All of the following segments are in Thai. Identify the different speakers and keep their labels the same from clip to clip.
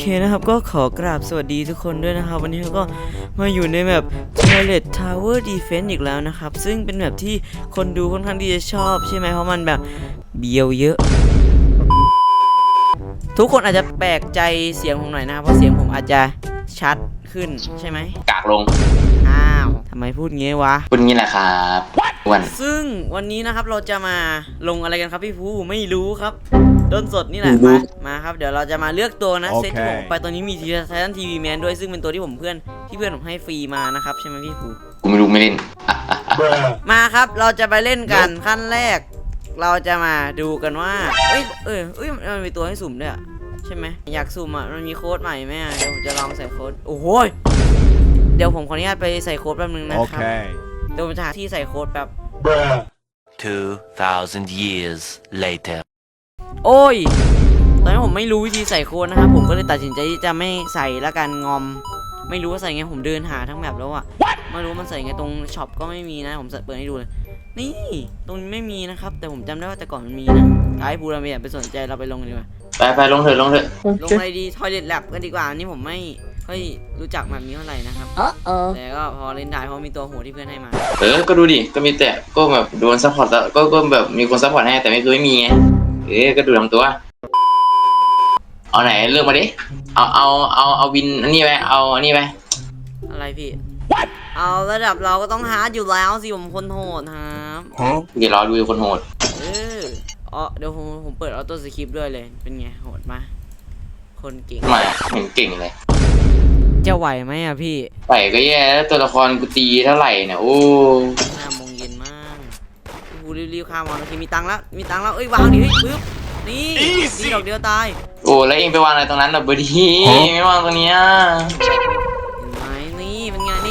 Speaker 1: นะครับก็ขอกราบสวัสดีทุกคนด้วยนะครับวันนี้เราก็มาอยู่ในแบบ Toilet Tower Defense อีกแล้วนะครับซึ่งเป็นแบบที่คนดูค่อนข้างที่จะชอบใช่ไหมเพราะมันแบบเบียวเยอะทุกคนอาจจะแปลกใจเสียงผมหน่อยนะครับเพราะเสียงผมอาจจะชัดขึ้นใช่ไหม
Speaker 2: กากลง
Speaker 1: อ้าวทำไมพูดงี้วะ
Speaker 2: พูดงี้แหละครับวัน
Speaker 1: ซึ่งวันนี้นะครับเราจะมาลงอะไรกันครับพี่ภูไม่รู้ครับต้นสดนี่แหละมาครับเดี๋ยวเราจะมาเลือกตัวนะเซตที่ผมไปตัวนี้มีไททันทีวีแมนด้วยซึ่งเป็นตัวที่เพื่อนผมให้ฟรีมานะครับใช่ไหมพี่ภู
Speaker 2: กูไม่รู้ไม่เล่น
Speaker 1: มาครับเราจะไปเล่นกันขั้นแรกเราจะมาดูกันว่ามันมีตัวให้สุ่มด้วยใช่ไหมอยากสุ่มมันมีโค้ดใหม่ไหมเดี๋ยวผมจะลองใส่โค้ดโอ้โหเดี๋ยวผมขออนุญาตไปใส่โค้ดแป๊บนึงนะครับเดี๋ยวผมจะหาที่ใส่โค้ดแป๊บ
Speaker 3: 2,000 years later
Speaker 1: โอ้ยตอนนี้ผมไม่รู้วิธีใส่โค้ดนะครับผมก็เลยตัดสินใจที่จะไม่ใส่ละกันงอมไม่รู้ว่าใส่ไงผมเดินหาทั้งแบบแล้วอะไม่รู้มันใส่ไงตรงช็อปก็ไม่มีนะผมเปิดให้ดูเลยนี่ตรงนี้ไม่มีนะครับแต่ผมจำได้ว่าแต่ก่อนมันมีนะไอ้บูเราไม่อยากไปสนใจเราไปลงดีกว่า
Speaker 2: ไปลงเถอะลง
Speaker 1: อะไรดี Toilet Lab กันดีกว่านี่ผมไม่ค่อยรู้จักแบบนี้เท่าไหร่นะครับแต่ก็พอเล่นได้เพราะมีตัวหัวที่เพื่อนให้มา
Speaker 2: ก็ดูดิก็มีแต่ก็แบบโดนซัพพอร์ตแล้วก็แบบมีคนซัพพอร์ตให้แต่ไม่มีไงก็ดูลำตัวเอาไหนเลือกมาดิเอาวินอันนี้ไปเอาอันนี้ไป
Speaker 1: อะไรพี่เอาระดับเราก็ต้องฮาร์ดอยู่แล้วสิผมคนโหดครับ
Speaker 2: เดี๋ยวรอดูคนโหด
Speaker 1: เดี๋ยวผมเปิดออโต้สคริปต์ด้วยเลยเป็นไงโหดมาคนเก่ง
Speaker 2: ไม่เห็นเก่งเลย
Speaker 1: จะไหวไหมอะพี่
Speaker 2: ไหวก็แย่แล้วตัวละครกูตีเท่าไหร่เนี่ยโอ้
Speaker 1: 5 โมงเย็นมากกูรีบข้ามมาโอเคมีตังค์แล้วเอ้ยวางดิเฮ้ยปึ๊บนี่ดอกเดียวตาย
Speaker 2: โอ้แล้วเองไปวางอะไรตรงนั้นแบบบดีไม่วางตรงนี้
Speaker 1: เห็นไหมนี่เป็นไง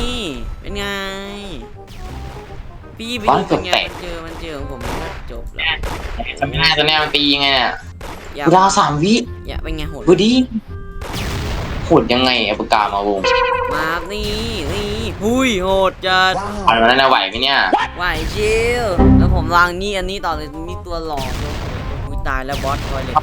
Speaker 1: พี่ไปดูเป็นไงมันเจอของผมก็จบแล้ว
Speaker 2: ทำไม่ได้ตัวนี้มันตียังไงอ่ะดาว3 วิ
Speaker 1: อย่าเป็นไงโหด
Speaker 2: บดีโหดยังไงปากกามาวง
Speaker 1: มานี่หุยโหดจัด
Speaker 2: อะไรมาแล้วไหวไหมเนี่ย
Speaker 1: ไหวชิลแล้วผมวางนี่อันนี้ต่อเลยมีตัวหลอกด้วยตายแล้วบอสทอยเลย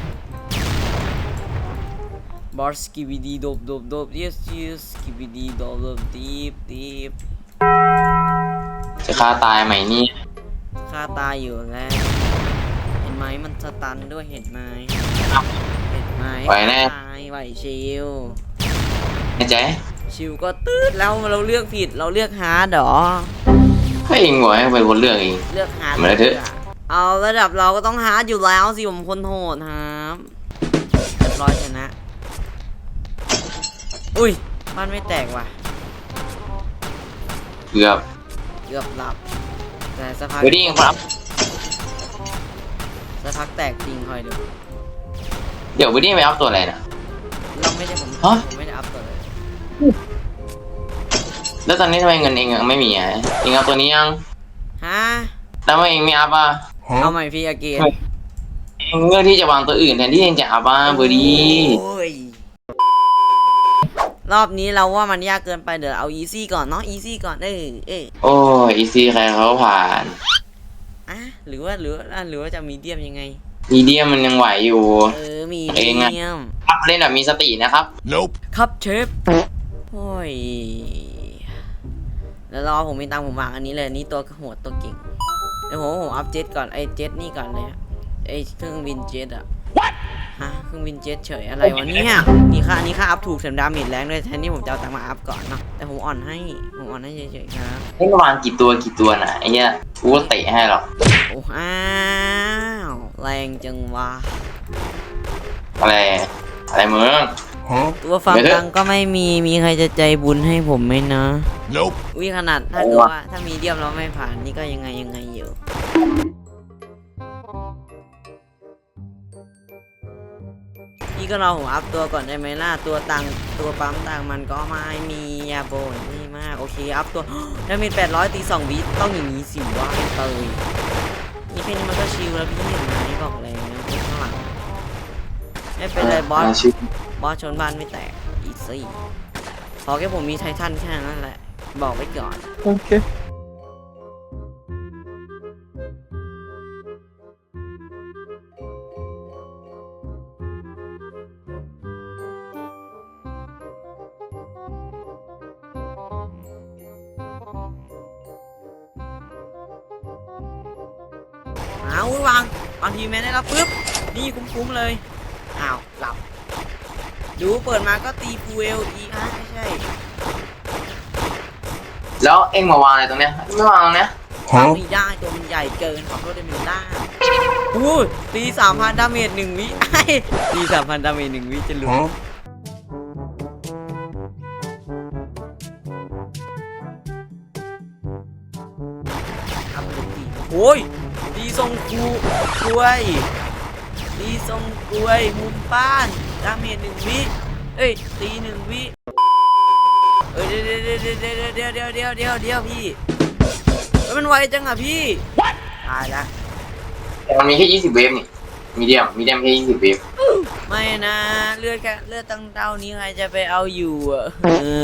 Speaker 1: บอสสกิบิดีโดบyesสกิบิดีโดบดีบ
Speaker 2: จะฆ่าตายไหมนี่
Speaker 1: ฆ่าตายอยู่แล้วเห็นไหมมันสตันด้วยเห็นไหม
Speaker 2: ไหวแน่
Speaker 1: ไหวชิล
Speaker 2: แน่ใจ
Speaker 1: ชิลก็ตืดแล้วเราเลือกผิดเราเลือกฮาร์ดหรอ
Speaker 2: ให้เองหวให้เป็นคนเลือกเอง
Speaker 1: เลือกฮาร์ด
Speaker 2: มาเถอะ
Speaker 1: เอาระดับเราก็ต้องฮาร์ดอยู่แล้วสิผมคนโหดครับร้อยชนะอุ้ยบ้านไม่แตกว่ะ
Speaker 2: เกือบ
Speaker 1: หลับแต่สักพัก
Speaker 2: ดีครับ
Speaker 1: สักพักแตกจริงคอยดู
Speaker 2: เดี๋ยววันนี้ไม่อัพตัวอะไรนะ
Speaker 1: เราไม่ได้ผมไม่ได้อัพตัวเลย
Speaker 2: แล้วตอนนี้ทำไมเงินเองไม่มีอ่ะเองเอาตัวนี้ยัง
Speaker 1: ฮะ
Speaker 2: แล้วเองไม่อัพอ่ะ
Speaker 1: เอาใหม่พี่อาเกน
Speaker 2: เองเลือกที่จะวางตัวอื่นแทนที่เองจะอัพอ่ะเบอร์ดี
Speaker 1: รอบนี้เราว่ามันยากเกินไปเดี๋ยวเอาอีซี่ก่อนเนาะอีซี่ก่อน
Speaker 2: โอ้อีซี่ใครเขาผ่าน
Speaker 1: หรือว่าจะมีเดียมยังไง
Speaker 2: มีเดียมมันยังไหวอยู่
Speaker 1: มีเดียม
Speaker 2: ครับเล่นแบบมีสตินะครับ
Speaker 3: Nope
Speaker 1: ครับเชฟโอ้ยแล้วรอผมมีตังผมวางอันนี้เลยนี่ตัวโหดตัวเก่งเดี๋ยวผมอัพเจ็ตก่อนไอเจ็ตนี่ก่อนเลยไอเครื่องบินเจ็ตอะเครื่องบินเจ็ตเฉยอะไรวะเนี่ยนี่ค่าอัพถูกเสริมดาเมจแรงด้วยแทนที่ผมจะเอาตังมาอัพก่อนเนาะแต่ผมอ่อนให้เฉยๆครับ
Speaker 2: ให้วางกี่ตัวน่ะไอ้เนี้ยกูเตะให้หรอก
Speaker 1: โอ้แรงจังวะ
Speaker 2: อะไรมึง
Speaker 1: ตัวฟังตังก็ไม่มีใครจะใจบุญให้ผมไหมนะ
Speaker 3: Nope
Speaker 1: วิขนาดถ้าเกิดว่าถ้ามีเดียมเราไม่ผ่านนี่ก็ยังไงอยู่พี่ก็รอผมอัพตัวก่อนได้ไหมล่ะตัวปั๊มตังมันก็ไม่มียาโบนนี่มากโอเคอัพตัวถ้ามี800ตี2 วิต้องอย่างนี้สิวะเตยนี่แค่นี้มันก็ชิลแล้วพี่เห็นไหมบอกเลยนะข้างหลังไม่เป็นไรบอสชนบ้านไม่แตกอีซี่พอแค่ผมมีไททันแค่นั้นแหละบอกไว้ก่อน
Speaker 2: โอเค
Speaker 1: เอาวางทีแมนได้แล้วปุ๊บนี่คุ้มๆเลยอ้าวหลับดูเปิดมาก็ตีฟูเอลอีกไม่ใช่
Speaker 2: แล้วเอ็งมาวางอะไรตรงเนี้ยไม่วางตรงเนี้ย
Speaker 1: ไม่ได้ตัวมันใหญ่เกินขอโทษด้วยมิลล่าอู้ตี 3,000 ดาเมจ1 วิตี 3,000 ดาเมจ1 วิจะหลุดทำเลยตีโอ้ยตีทรงกล้วยตีทรงกล้วยมุมบ้านดาเมจ1 วิเอ้ยตี1 วิเอ้ยเดี๋ยวพี่มันไวจังอะพี่ตายละ
Speaker 2: แต่มันมีแค่20 เวฟนี่มีเดียมแค่20 เวฟ
Speaker 1: ไม่นะเลือดตั้งเท่านี้ใครจะไปเอาอยู่อ่ะ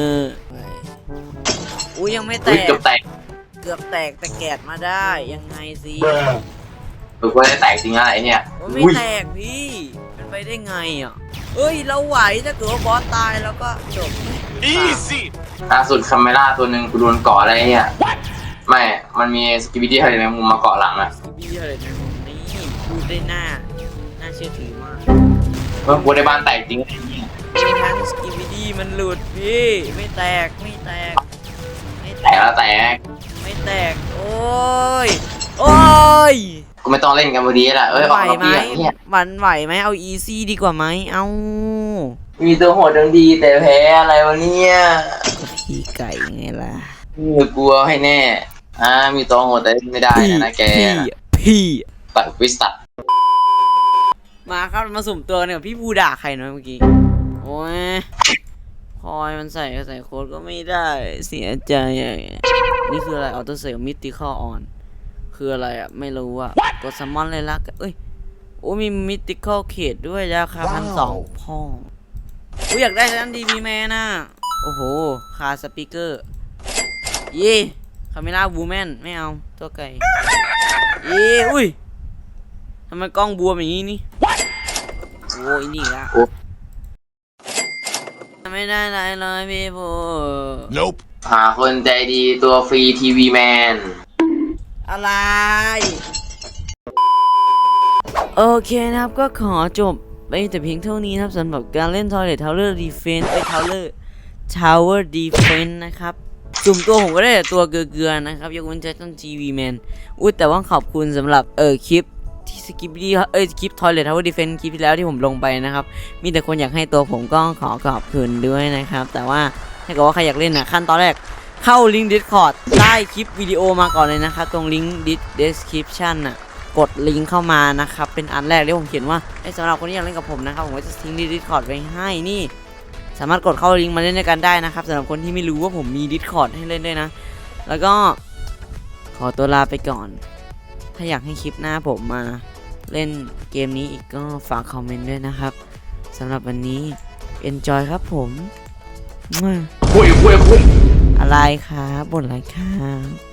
Speaker 1: อุ้ยยังไม่แต
Speaker 2: อุ๊ย
Speaker 1: ก
Speaker 2: เกือบแตก
Speaker 1: เกือบแตกแต่แกะมาได้ยังไงสิ
Speaker 2: กูว่าจะแตกจริงอะไรเนี่ย
Speaker 1: มันไม่แตกพี่เป็นไปได้ไงอ่ะเอ้ยเราไหวถ้าเกิดว่าบอสตายแล้วก็จบ
Speaker 3: Easy.
Speaker 2: ล่าสุดคาเมล่าตัวหนึ่งกูโดนเกาะอะไรเนี่ยไม่มันมีสกิบิดี้อะไรแมงมุมมาเกาะหลังอะ
Speaker 1: สกิบี้อะไรนะนี่พูดได้น่าเชื่อถือมาก
Speaker 2: เมื่อกูได้บ้านแตกจริงอะไรเนี่ย
Speaker 1: ทั้งสกิบี้ดีมันหลุดพี่ไม่แตก
Speaker 2: แตกแล้วแตก
Speaker 1: ไม่แตกโอ้ยโอ้ย
Speaker 2: กูไม่ต้องเล่นกันพอดีละเอ้ยอ
Speaker 1: ไหว
Speaker 2: อกมา
Speaker 1: ไหม
Speaker 2: เปียกเนี่ย
Speaker 1: มันไหวไหมเอาอีซี่ดีกว่าไหมเอา
Speaker 2: มีตัวโหดดังดีแต่แพ้อะไรวะเนี่ย
Speaker 1: พี่ไก่ไงล่ะ
Speaker 2: กลัวให้แน่มีตัวโหดแต่ไม่ได้นะแก
Speaker 1: พี่
Speaker 2: ตัดวิสตัด
Speaker 1: มาครับมาสุ่มตัวเนี่ยพี่ภูด่าใครเนาะเมื่อกี้โอ้ยพอยมันใส่โค้ดก็ไม่ได้เสียใจนี่คืออะไรออโต้เซลมิติคอลออนคืออะไรอ่ะไม่รู้อ่ะกดซัมมอนเลยละเอ้ยโอ้มีมิติคอลเขตด้วยราคา1,200พ่อกูอยากได้ชั้นดีมีแมนน่ะโอ้โหคาสปีกเกอร์เย่คาเมล่าบูแมนไม่เอาตัวไก่เย่อุ้ยทำไมกล้องบวมอย่างนี้นี่โอ้ยนี่ละไม่ได้ไรเลยพี่พู
Speaker 3: Nope.
Speaker 2: หาคนใจดีตัวฟรีทีวีแมน
Speaker 1: อะไรโอเคนะครับก็ขอจบไปแต่เพียงเท่านี้นะครับสำหรับการเล่น Toilet Tower Defense Tower Defense นะครับจุ่มตัวผมก็ได้แต่ตัวเกลือๆนะครับยกเว้นTitan TV Man แต่ว่าขอบคุณสำหรับคลิปที่สกิปดี้คลิป Toilet Tower Defense คลิปที่แล้วที่ผมลงไปนะครับมีแต่คนอยากให้ตัวผมก็ขอขอบคุณด้วยนะครับแต่ว่าถ้าเกิดว่าใครอยากเล่นนะขั้นตอนแรกเข้าลิงก์ Discord ใต้คลิปวิดีโอมาก่อนเลยนะครับตรงลิงก์ description น่ะกดลิงก์เข้ามานะครับเป็นอันแรกที่ผมเขียนว่าสำหรับคนที่อยากเล่นกับผมนะครับผมก็จะทิ้ง Discord ไว้ให้นี่สามารถกดเข้าลิงก์มาเล่นด้วยกันได้นะครับสำหรับคนที่ไม่รู้ว่าผมมี Discord ให้เล่นด้วยนะแล้วก็ขอตัวลาไปก่อนถ้าอยากให้คลิปหน้าผมมาเล่นเกมนี้อีกก็ฝากคอมเมนต์ด้วยนะครับสำหรับวันนี้ enjoy ครับผม
Speaker 2: คุย
Speaker 1: อะไรครับบ่นอะไรครับ